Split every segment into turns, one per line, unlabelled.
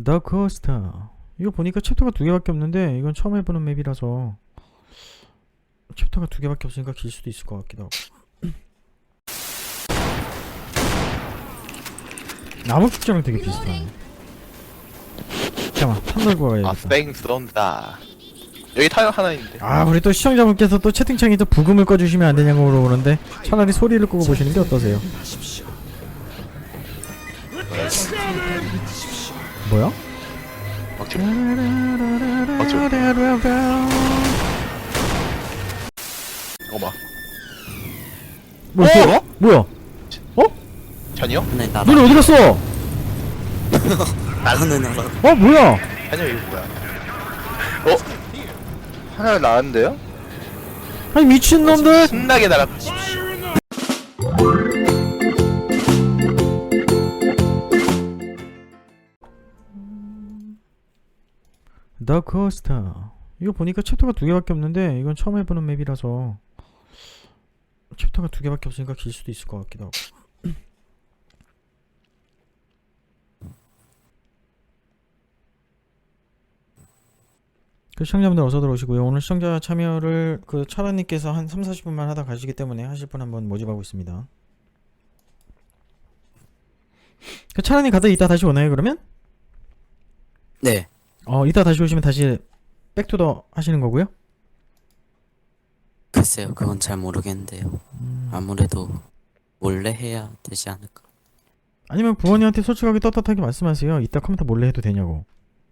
더 코스터. 이거 보니까 챕터가 2개밖에 없는데 이건 처음 해보는 맵이라서 챕터가 2개밖에 없으니까 길 수도 있을 것 같기도 하고. 나무 축제랑 되게 비슷하네. 잠깐만 탄 들고 가야겠다.
뺑 쏜다. 여기 타요 하나 있는데.
우리 또 시청자분께서 또 채팅창에 또 부금을 꺼주시면 안 되냐고 물어보는데 차라리 소리를 끄고 보시는 게 어떠세요? 뭐야?
막지. 어머.
뭐야? 뭐야?
찬이요?
네, 나라.
너네 어디 갔어?
나는 알아.
뭐야?
찬이요 이거 뭐야? 하나 나왔는데요?
아니 미친놈들!
신나게 날아.
더 코스터. 이거 보니까 챕터가 2개밖에 없는데 이건 처음 해보는 맵이라서 챕터가 2개밖에 없으니까 길 수도 있을 것 같기도 하고. 그 시청자분들 어서 들어오시고요. 오늘 시청자 참여를 그 차라님께서 한 30-40분만 하다 가시기 때문에 하실 분 한번 모집하고 있습니다. 그 차라님 가다 이따 다시 오나요 그러면?
네.
이따 다시 오시면 다시 백투더 하시는 거고요?
글쎄요, 그건 잘 모르겠는데요. 아무래도 몰래 해야 되지 않을까.
아니면 부모님한테 솔직하게 떳떳하게 말씀하세요. 이따 컴퓨터 몰래 해도 되냐고.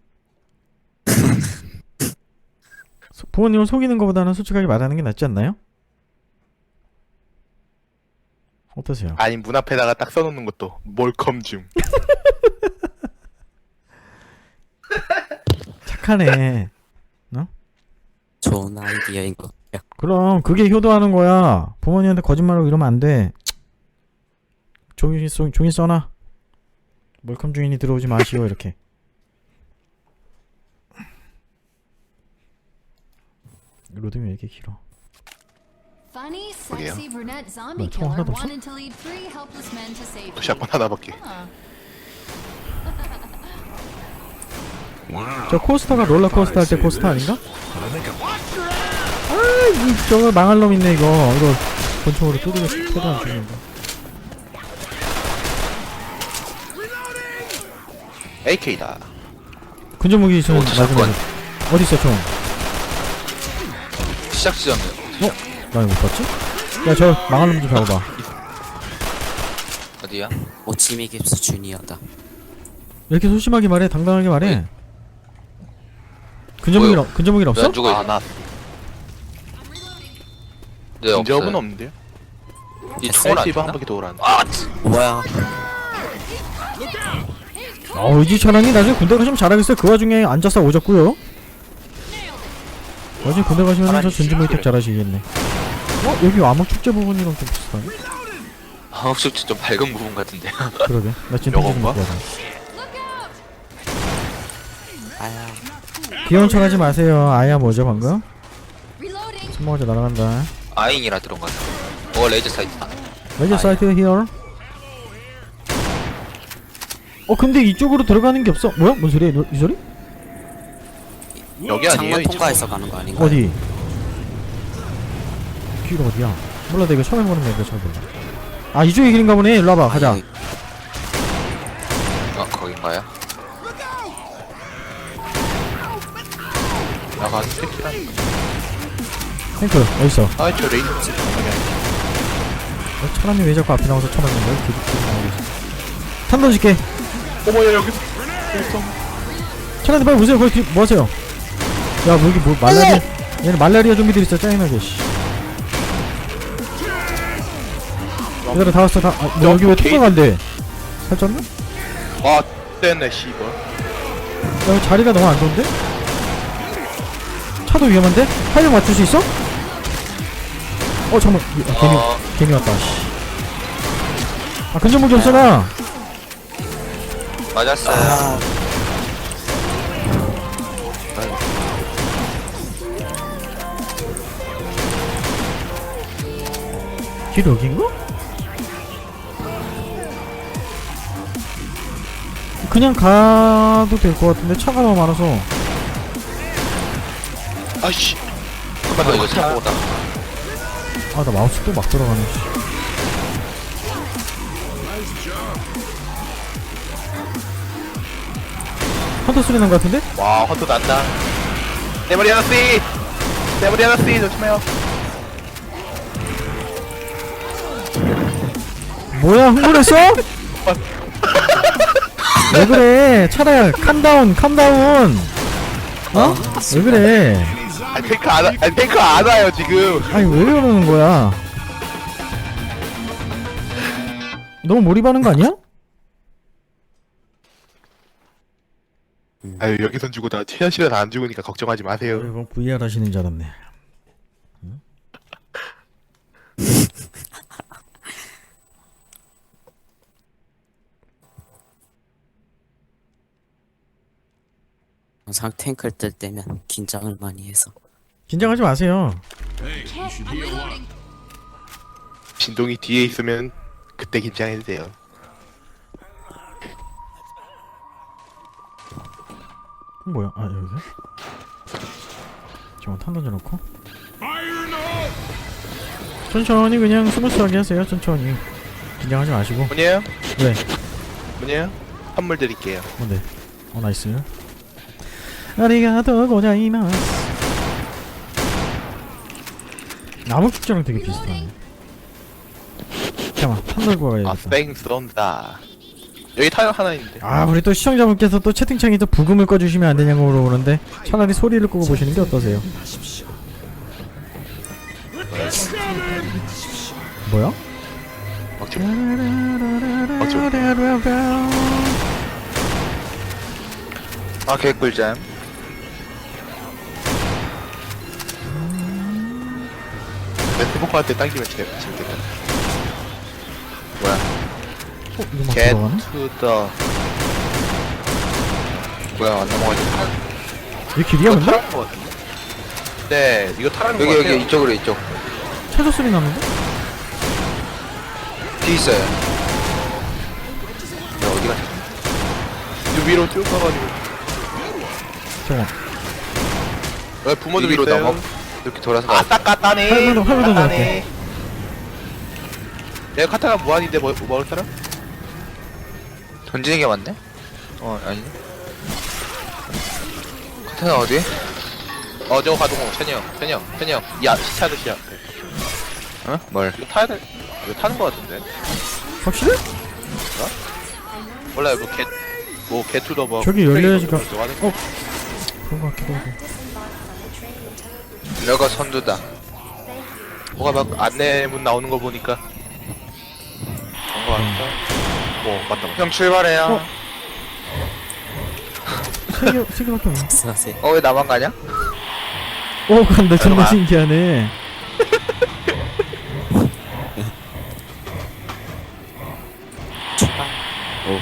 부모님을 속이는 것보다는 솔직하게 말하는 게 낫지 않나요? 어떠세요?
아니 문 앞에다가 딱 써놓는 것도 몰컴 중.
착하네.
좋은 아이디어인 것 같아요.
그럼 그게 효도하는 거야. 부모님한테 거짓말하고 이러면 안 돼. 종이 써놔. 몰컴 중인이 들어오지 마시오 이렇게. 로딩이 왜 이렇게 길어?
Funny,
그러게요.
sexy brunette zombie
총
killer
하나도 없어?
wanted to lead 3 helpless men to safety.
또 샷건 하나밖에.
저 코스터가 롤러코스터 할 때 코스터 아닌가? 저거 망할 놈 있네 이거 권총으로 두드려 패도 안 죽는다.
AK다.
근접무기 있으면 맞으면 어딨어 총?
시작 지점이요.
나 이거 못 봤지? 야 저 망할 놈 좀 잡아봐.
어디야?
오치미 깁스 주니어다.
이렇게 소심하게 말해 당당하게 말해. 근접무기는 없어?
아, 나.
네,
근접은
없어요.
없는데요?
이 총을 안
SLC 한
줬나?
바퀴 돌아는.
뭐야?
이지 차량이 나중에 군대 가시면 잘하겠어요. 그 와중에 앉아서 오졌고요. 나중에 군대 가시면 저 전지모니터 잘하시겠네. 여기 암흑축제 부분이랑 좀 비슷하네?
혹시 좀 밝은 부분 같은데.
그러게 나 지금 편지 좀
요건가?
먹고 가자.
아야.
귀여운 척 하지 마세요. 아야 뭐죠 방금?
Reloading.
손모가지 날아간다.
아잉이라 들어간 거. 레이저 사이트다.
레이저 사이트 히어. 근데 이쪽으로 들어가는 게 없어. 뭐야? 뭔 소리야 이 소리?
여기 아니에요?
창문
이쪽?
통과해서 가는 거 아닌가요?
어디? 길 어디야? 몰라 나 이거 처음 해보는 맵이라 잘 몰라. 이쪽이 길인가 보네. 일로 와봐 가자.
아니,
거긴가요?
나가는 택시란.
탱크 어딨어?
저 레이저.
차람이 왜 자꾸 앞에 나와서 쳐맞는 거야? 계속 나오고 있어. 탄 던질게.
어머야 여기.
차람이 빨리 보세요. 거기 뒤 뭐하세요? 야 여기 뭐 말라리아 얘는 말라리아 좀비들 있어 짜증나게 씨. 얘들아 다 왔어 다. 여기 왜 통과가 안 돼? 살쪘나?
아 떼네 씨발.
야 여기 자리가 너무 안 좋은데? 차도 위험한데? 활력 맞출 수 있어? 잠깐만 괜히 왔다 씨. 근접무기 없잖아.
맞았어요.
길 여긴가? 그냥 가도 될 것 같은데 차가 너무 많아서.
아씨.
잠깐만 이거 생각보다.
아, 나 마우스 또 막 들어가네. 씨. 헌터 소리 난 것 같은데?
와 헌터 난다. 내 머리 하나 씨. 내 머리 하나 씨 조심해요.
뭐야, 흥분했어? 왜 그래? 차라리 캄다운, 캄다운. 어? 왜 그래?
아니 탱크 안 와. 아니 탱크 안 와요 지금.
아니, 왜 그러는 거야? 너무 몰입하는 거 아니야?
아유 여기선 죽고 다 최현실은 안 죽으니까 걱정하지 마세요.
이건 VR 하시는 줄 알았네.
항상 탱크를 뜰 때면 긴장을 많이 해서
긴장하지 마세요.
Can't. I'm reloading.
진동이 뒤에 있으면 그때 긴장해도 돼요.
뭐야? 아, 여기서? 잠깐 탄 던져놓고. 천천히 그냥 스무스하게 하세요. 천천히. 긴장하지 마시고.
뭐냐요?
왜?
뭐냐요? 선물 드릴게요.
뭔데? 나이스. 아리가또 고자이마스. 나무 축제랑 되게 비슷하네. 잠깐만, 탄 들고
아
가야겠다.
뺑 쏜다. 여기 타요 하나 있는데.
아, 우리 또 시청자분께서 또 채팅창에 또 부금을 꺼주시면 안 되냐고 물어보는데 차라리 소리를 끄고 보시는 게 어떠세요? 뭐야?
막죠. 아 개꿀잼. 네트워크 할때 당기면 재밌겠다. 뭐야?
이거 막
Get
들어가네?
to the. 뭐야 안 넘어가지?
이 길이야
이거
근데?
타는 거 같은데? 네 이거 타는 거
여기
같아요.
여기 이쪽으로 이쪽.
최소 소리 나는데?
뒤 있어요.
야, 어디 갔지? 이 위로 쭉 가가지고.
잠깐만.
여기 부모도
위로
있어요.
넘어. 이렇게 돌아서
아,
가.
딱 까따네.
활부도
까따네.
넣을게.
내가 카타나 무한인데 뭐 먹을 사람?
던지는 게 맞네? 아니네. 카타나 어디?
저거 가동호. 천이 형. 야, 시차 드시야.
어? 뭘?
이거 타야 돼. 이거 타는 거 같은데.
확실해?
몰라요. 뭐 개투더 뭐.
저기 열려야지 가-
저거 하는
어? 그런 거 같기도 하고.
여가 선두다.
뭐가 막 안내문 나오는 거 보니까. 그런 거 같다. 맞다.
형 출발해요.
세 개밖에 없네.
쓰세요.
왜 나만 가냐?
오, 간다. 정말
잠깐만.
신기하네.
오.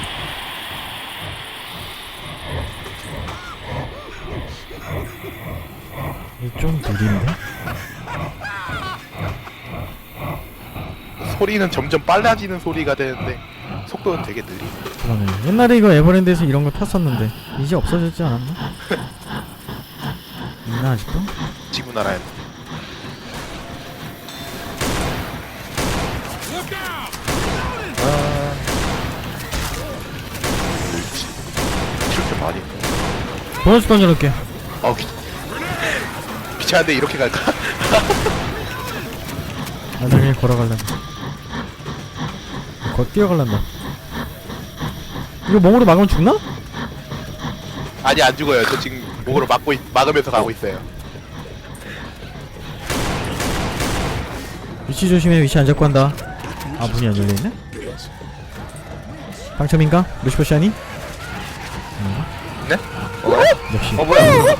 이게 좀 느린데?
소리는 점점 빨라지는 소리가 되는데 속도는 되게 느리.
그러네. 옛날에 이거 에버랜드에서 이런 거 탔었는데 이제 없어졌지 않았나? 있나 아직도?
지구 나라에. 이렇게 많이.
보너스 던져놓을게.
귀찮은데 이렇게 갈까?
나중에 걸어갈란다. 뛰어갈란다. 이거 몸으로 막으면 죽나?
아니 안 죽어요. 저 지금 목으로 막으면서 가고 있어요.
위치 조심해. 위치 안 잡고 한다. 아, 문이 안 열려있네? 당첨인가? 루시퍼 샤니?
네?
역시.
뭐야?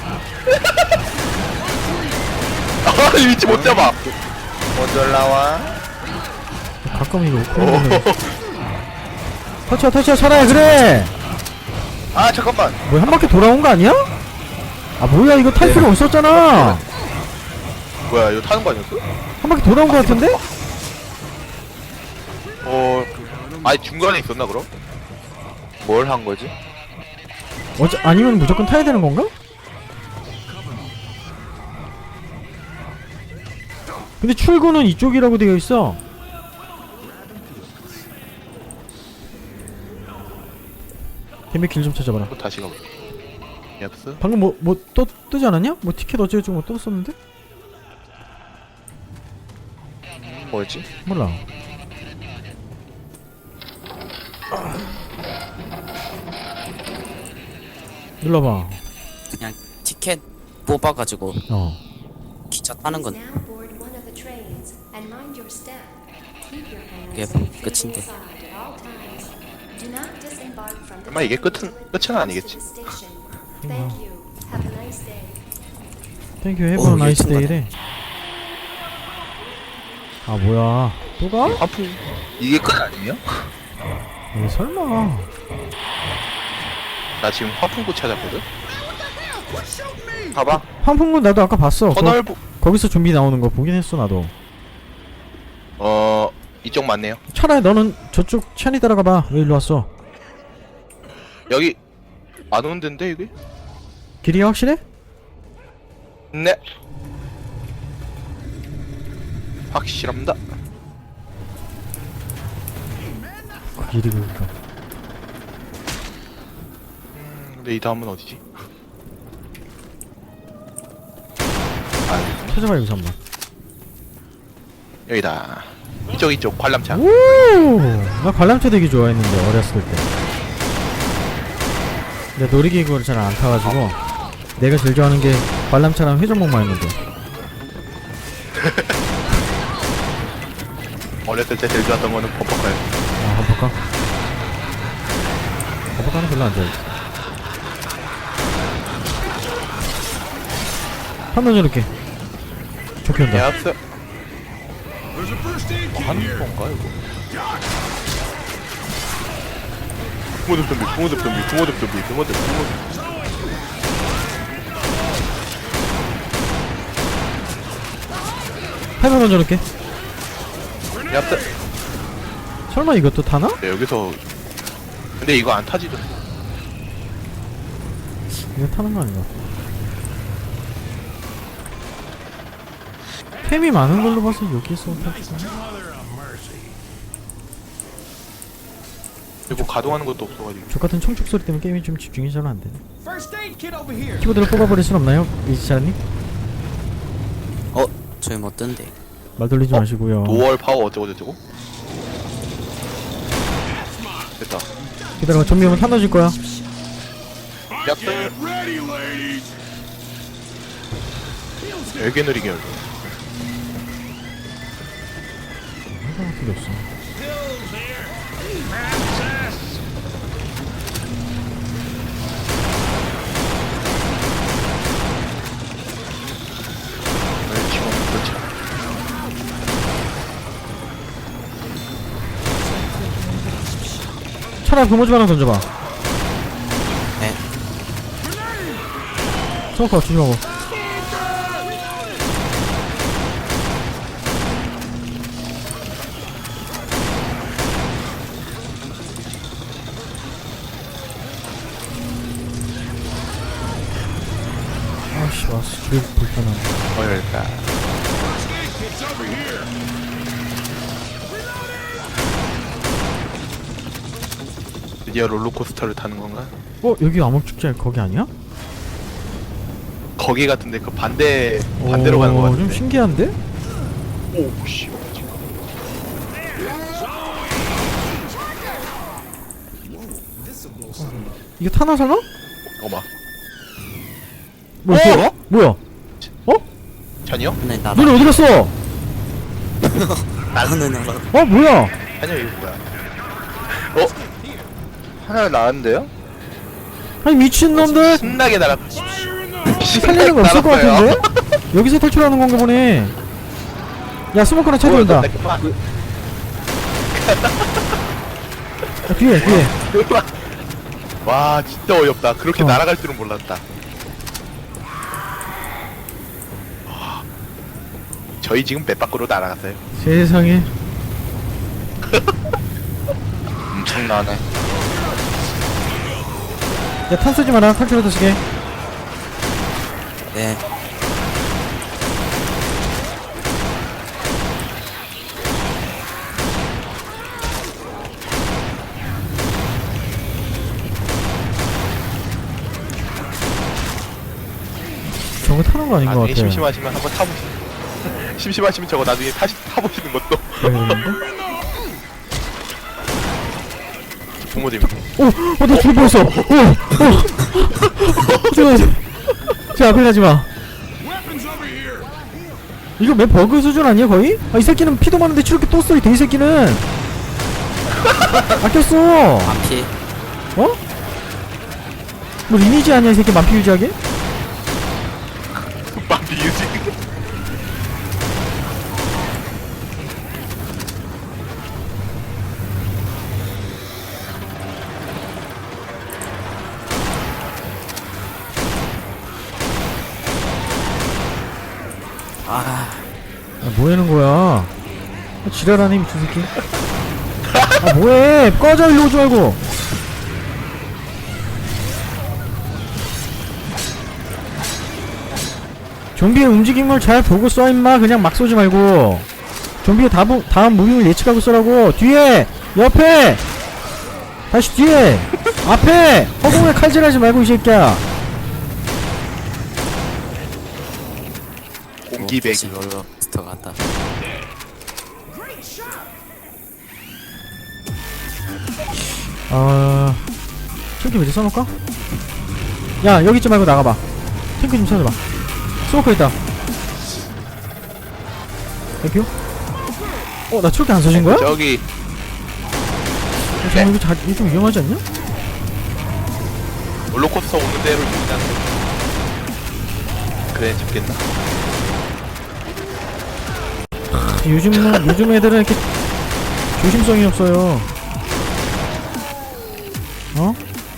아 위치 못 잡아.
먼저 올라와.
가끔 이거 오크로는 터치야 살아야 그래.
아 잠깐만.
뭐야, 한 바퀴 돌아온 거 아니야? 아, 뭐야, 이거 탈 필요 없었잖아.
뭐야 이거 타는 거 아니었어?
한 바퀴 돌아온 거 같은데?
아니 중간에 있었나 그럼?
뭘 한 거지?
아니면 무조건 타야 되는 건가? 근데 출구는 이쪽이라고 되어 있어. 데미 길 좀 찾아봐라.
또 다시 가볼게. 얍스.
방금 뭐 뜨지 않았냐? 뭐 티켓 어쩌고저쩌고 뭐 떴었는데?
뭐였지?
몰라. 눌러봐.
그냥 티켓 뽑아가지고
어.
기차 타는 건
Now board one of the trains and mind your step. Keep your hands
Yep,
and feet
끝인데.
inside at all times. Do not disembark from the
설마 이게
train
끝은
until it
아니겠지?
comes to the station. Thank you. Have a nice day.
땡큐 해버
오,
나이스
유튜브네.
데이래. 아 뭐야 또 가?
환풍.
이게 끝 아니에요?
에이 설마.
나 지금 환풍구 찾았거든.
봐봐.
환풍구 나도 아까 봤어.
터널부.
거기서 좀비 나오는 거 보긴 했어 나도.
이쪽 맞네요.
차라리 너는 저쪽 찬이 따라가봐. 왜 일로 왔어?
여기 안 오는 데인데 이게?
길이 확실해?
네. 확실합니다.
그 길이 그니까.
근데 이 다음은 어디지?
찾아봐 여기서 한번.
여기다. 이쪽 관람차.
오! 나 관람차 되게 좋아했는데 어렸을 때. 근데 놀이기구를 잘 안 타가지고 내가 제일 좋아하는 게 관람차랑 회전목마였는데.
어렸을 때 제일 좋았던 거는 범퍼카요.
아 한번가? 한번가는 별로 안 좋아해. 한번 이렇게 좋게 온다.
얍스.
There's a first aid kit
하는
here.
건가 이거? 부모들.
팔만 먼저 놓을게.
얍스.
설마 이것도 타나?
네, 여기서. 근데 이거 안 타지도.
이거 타는 거 아닌가? 템이 많은 걸로 봐서 여기서 타지.
그리고 가동하는 것도 없어가지고.
족같은 총축 소리 때문에 게임이 좀 집중이 잘 안 되네.
First aid kit over here.
키보드를 뽑아버릴 순 없나요? 이지사님?
저희 못 뜬대.
말 돌리지 마시고요.
도월 파워 어쩌고저쩌고. 됐다.
기다려봐. 좀비 오면 탄 넣어줄 거야.
얍스.
Get ready, ladies.
되게 느리게 열려.
하나가 필요 없어.
지금 그렇지.
차라리 부모집 하나 던져봐.
네.
스모커 조심하고. 아씨 왔어. 주변 불편하네.
열까.
First aid kit's over here.
드디어 롤러코스터를 타는 건가?
여기 암흑축제 거기 아니야?
거기 같은데 그 반대로 가는 거 같은데.
좀 신기한데?
오, 씨.
이게 타나 설마?
어마.
뭐야?
어?
뭐야?
찬이요?
네, 나라.
너네 어디 갔어?
나라는 나라.
뭐야?
찬이요 이거 뭐야?
하나 나왔는데요?
아니 미친놈들
신나게 날아.
살리는 거 없을 것 같은데? 여기서 탈출하는 건가 보네. 야 스모커랑 차 들어온다. 야, 뒤에.
와 진짜 어이없다. 그렇게
어.
날아갈 줄은 몰랐다. 와, 저희 지금 배 밖으로 날아갔어요.
세상에.
엄청나네.
야, 탄 쓰지 마라. 탈출부터 쓰게.
네.
저거 타는 거 아닌 것
나중에
같아.
심심하시면 한번 타보시는 심심하시면 저거 나중에 타보시는 것도 부모님
나 죽을 뻔했어. 저 앞에 가지 마.
Weapons over here.
이거 맵 버그 수준 아니야 거의? 아, 이 새끼는 피도 많은데 이렇게 또 써. 이 돼지 새끼는. 아꼈어.
반피.
어? 뭐 리니지 아니야 이 새끼 만피 유지하게?
맘비 유지
아,
뭐하는 거야? 지랄하네 미친 새끼. 뭐해? 꺼져 일로 오지 말고. 좀비의 움직임을 잘 보고 쏴 임마. 그냥 막 쏘지 말고. 좀비의 다음 무빙을 예측하고 쏘라고. 뒤에! 옆에! 다시 뒤에! 앞에! 허공에 칼질하지 말고 이 새끼야.
공기배기
롤러코스터 같다.
탱크 미리 써놓을까? 야, 여기 있지 말고 나가봐. 탱크 좀 찾아봐. 스모커 있다. 땡큐. 나 저렇게 안 써진 거야?
저기
잠깐, 이거 좀 위험하지 않냐?
롤러코스터 오는 대로 일단 그래 잡겠나?
요즘 애들은 이렇게 조심성이 없어요. 어?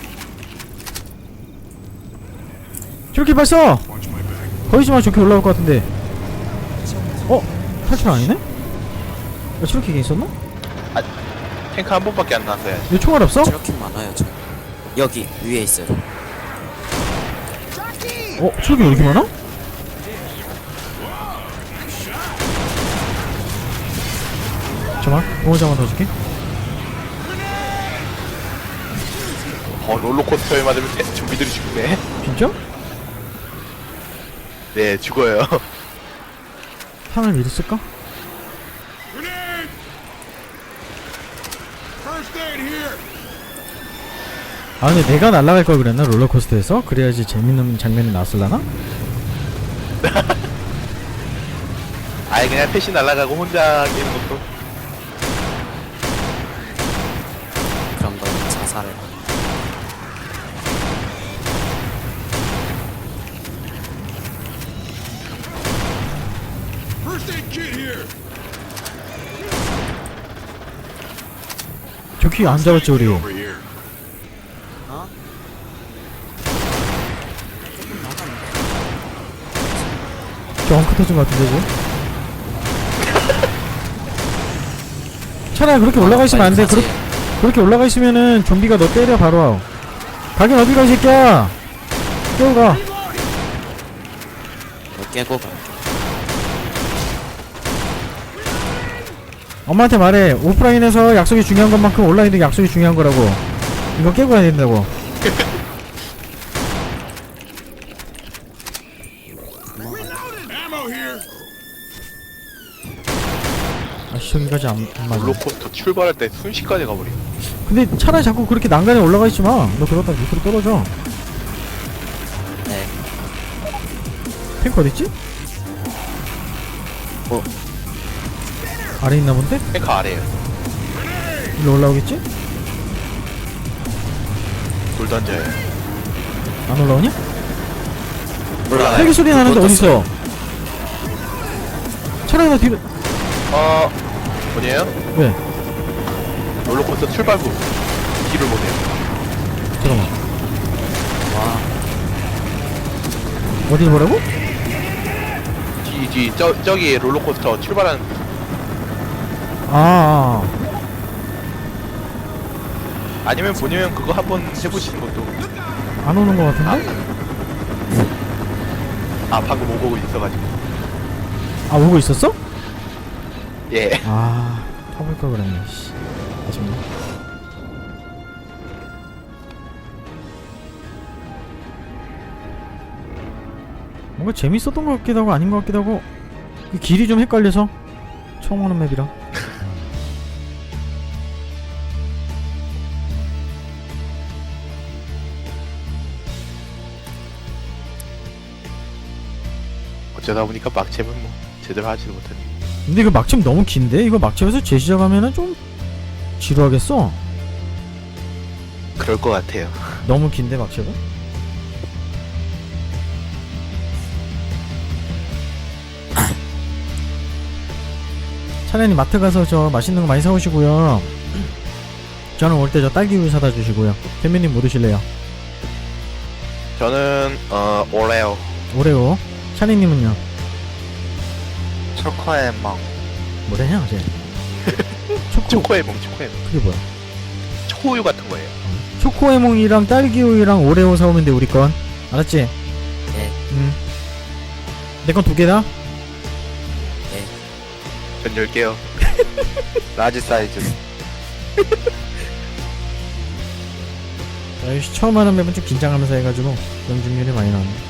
저렇게 발사! 거기지만 저렇게 올라올 것 같은데. 탈출 아니네? 야, 저렇게 게 있었나?
탱크 한 번밖에 안 나왔어야지.
왜 총알 없어?
저렇게 많아요, 저. 여기 위에 있어요.
저렇게 왜 이렇게 많아? 잠깐만, 공원장만 더 줄게.
롤러코스터에 맞으면 좀비들이 죽네.
진짜?
네 죽어요.
탄을 미리 쓸까?
Grenade. First aid here.
아, 근데 내가 날아갈 걸 그랬나? 롤러코스터에서? 그래야지 재밌는 장면이 나왔을라나?
아예 그냥 패시 날아가고 혼자 하는 것도
그런 건 자살을 하는.
First aid kit here.
저기 안 잡았지 우리.
Over here.
저 엉크 터진 것 같은데 지금? 차라리 그렇게 올라가 있으면 안 돼. 그렇게 올라가 있으면은 좀비가 너 때려 바로. 가긴 어디 가 이 새끼야. 깨고 가.
깨고 가.
엄마한테 말해. 오프라인에서 약속이 중요한 것만큼 온라인도 약속이 중요한 거라고. 이거 깨고 가야 된다고.
Ammo here.
아씨, 저기까지 안 맞아.
롤러코스터 출발할 때 순식간에 가버려.
근데 차라리 자꾸 그렇게 난간에 올라가 있지 마. 너 그러다 밑으로 떨어져.
네.
탱크 어딨지? 아래 있나 본데?
탱크 아래에요.
일로 올라오겠지?
돌 던져요.
안 올라오냐?
몰라요.
헬기 소리 나는데 어딨어? 차라리 나 뒤로.
뭐냐요?
왜?
롤러코스터 출발 후 길을 못해요.
잠깐만.
와,
어디를 보라고?
저기 롤러코스터 출발하는
아.
아니면 본인은 그거 한번 해보시는 것도
안 오는 것 같은데?
아 방금 오고 있어가지고.
아 오고 있었어?
예.
아 타볼 걸 그랬네. 씨. 아쉽네. 뭔가 재밌었던 것 같기도 하고 아닌 것 같기도 하고 그 길이 좀 헷갈려서 처음 오는 맵이라.
어쩌다 보니까 막챔은 뭐 제대로 하지도 못하네.
근데 이거 막침 너무 긴데? 이거 막침에서 재시작하면은 좀 지루하겠어?
그럴 것 같아요.
너무 긴데 막침은? 차라리 마트 가서 저 맛있는 거 많이 사오시고요. 저는 올 때 저 딸기우유 사다 주시고요. 캔미님 뭐 드실래요?
저는 오레오.
오레오. 샤니님은요?
초코의 멍.
뭐래냐 어제? 초코.
초코에몽 초코에몽.
그게 뭐야?
초우유 같은 거예요.
초코에몽이랑 딸기우유랑 오레오 사오면 돼 우리 건. 알았지?
네.
내 건 2개다?
전 10개요.
라지 사이즈.
자, 역시 처음 하는 맵은 좀 긴장하면서 해가지고 명중률이 많이 나왔네.